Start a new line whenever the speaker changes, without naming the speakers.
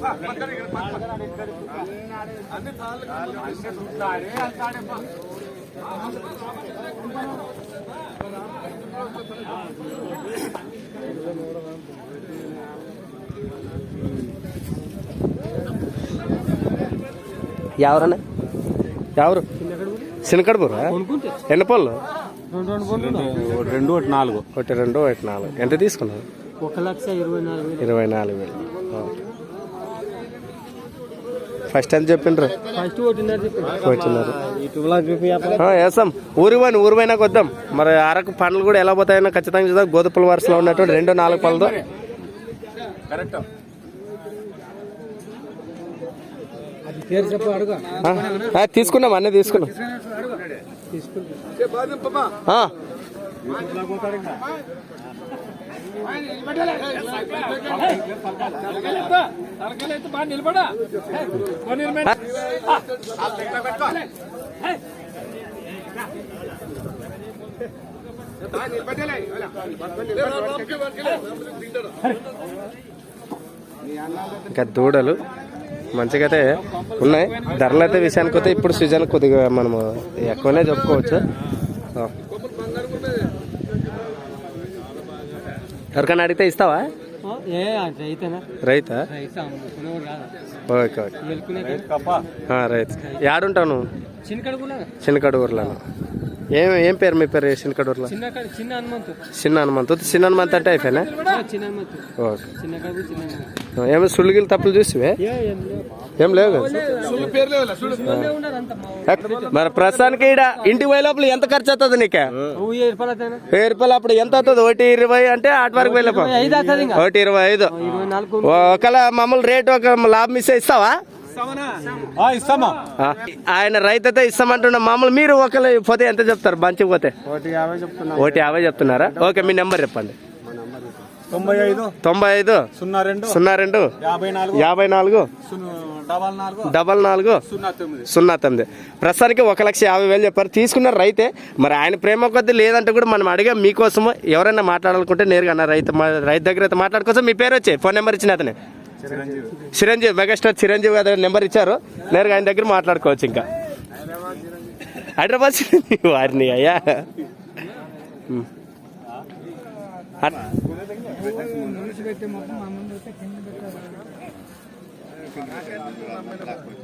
ఎవరన్నా ఎవరు శనకడబూరా ఎన్ని పళ్ళు
2 1 4
ఒకటి 2 ఒకటి 4 ఎంత తీసుకున్నారు 1,24,000 ఫస్ట్ ఎంత చెప్పిండ్రు వేస్తాం ఊరు పోయినాక వద్దాం మరి అరకు పండ్లు కూడా ఎలా పోతాయో ఖచ్చితంగా చూద్దాం గోధుపల వరుసలో ఉన్నటువంటి 2 4 పళ్ళతో తీసుకున్నాం అన్నీ తీసుకున్నాం ఇంకా దూడలు మంచిగా అయితే ఉన్నాయి. ధరలు అయితే విషయానికి వస్తే ఇప్పుడు సీజన్ కొద్దిగా మనము ఎక్కువనే చెప్పుకోవచ్చు. ఎవరికైనా అడిగితే ఇస్తావా? రైతా? ఓకే ఓకే రైతు. ఏడుంటావు నువ్వు? చిన్నకడూరులో. ఏం పేరు మీ పేరు? చిన్నకడూరులో చిన్న హనుమంతు. చిన్న హనుమంతు అంటే అయిపోయినా? ఓకే. ఏమో సుళ్ళుగిలు తప్పులు చూసివే? ఏం లేవు కదా. మరి ప్రస్తుతానికి ఇక్కడ ఇంటికి పోయే లోపల ఎంత ఖర్చు అవుతుంది నీకు? 1000 రూపాయలు. అప్పుడు ఎంత అవుతుంది? 1,20 అంటే ఆటి వరకు వెళ్ళి 1,25. ఒకవేళ మామూలు రేటు ఒక లాభం ఇస్తే ఇస్తావా? ఆయన రైతు అయితే ఇస్తామంటున్నా. మామూలు మీరు ఒకవేళ పోతే ఎంత చెప్తారు? మంచిగా పోతే 1,50 చెప్తున్నారా? ఓకే, మీ నెంబర్ చెప్పండి.
95
02 54 44 09. ప్రస్తుతానికి 1,50,000 చెప్పారు. తీసుకున్నారు రైతే. మరి ఆయన ప్రేమ కొద్ది లేదంటే కూడా మనం అడిగా మీకోసము ఎవరైనా మాట్లాడాలనుకుంటే నేరుగా అన్న రైతు దగ్గర అయితే మాట్లాడుకోసం. మీ పేరు వచ్చి ఫోన్ నెంబర్ ఇచ్చిన అతనే చిరంజీవి, మెగాస్టార్ చిరంజీవి గారు నెంబర్ ఇచ్చారు. నేరుగా ఆయన దగ్గర మాట్లాడుకోవచ్చు. ఇంకా హైదరాబాద్ వారిని అయ్యా
పెట్టి మొత్తం మా ముందు